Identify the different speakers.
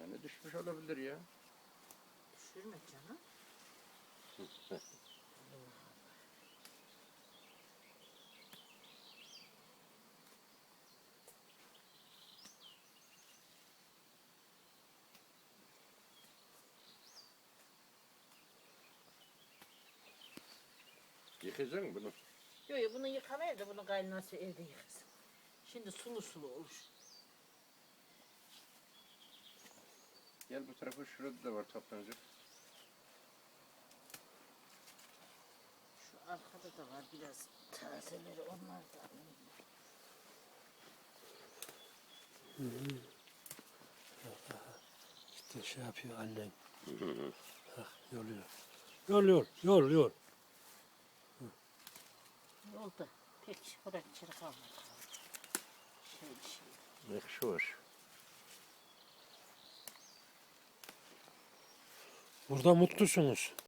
Speaker 1: Yani düşmüş olabilir ya.
Speaker 2: Düşürme canım.
Speaker 1: Yıkayacak mısın bunu?
Speaker 2: Yok ya bunu yıkamayır da bunu kaynanası evde yıkasın. Şimdi sulu sulu olur.
Speaker 1: Gel bu tarafa, şurada da var toplanacak.
Speaker 2: Şu arkada da var biraz tazeleri, onlar da alayım.
Speaker 3: İşte şey yapıyor annen. Bak yoluyor. Yol.
Speaker 2: Yolda pek oraya içeri kalmadı. Şey.
Speaker 1: Ne kışı var?
Speaker 3: Burada mutlusunuz.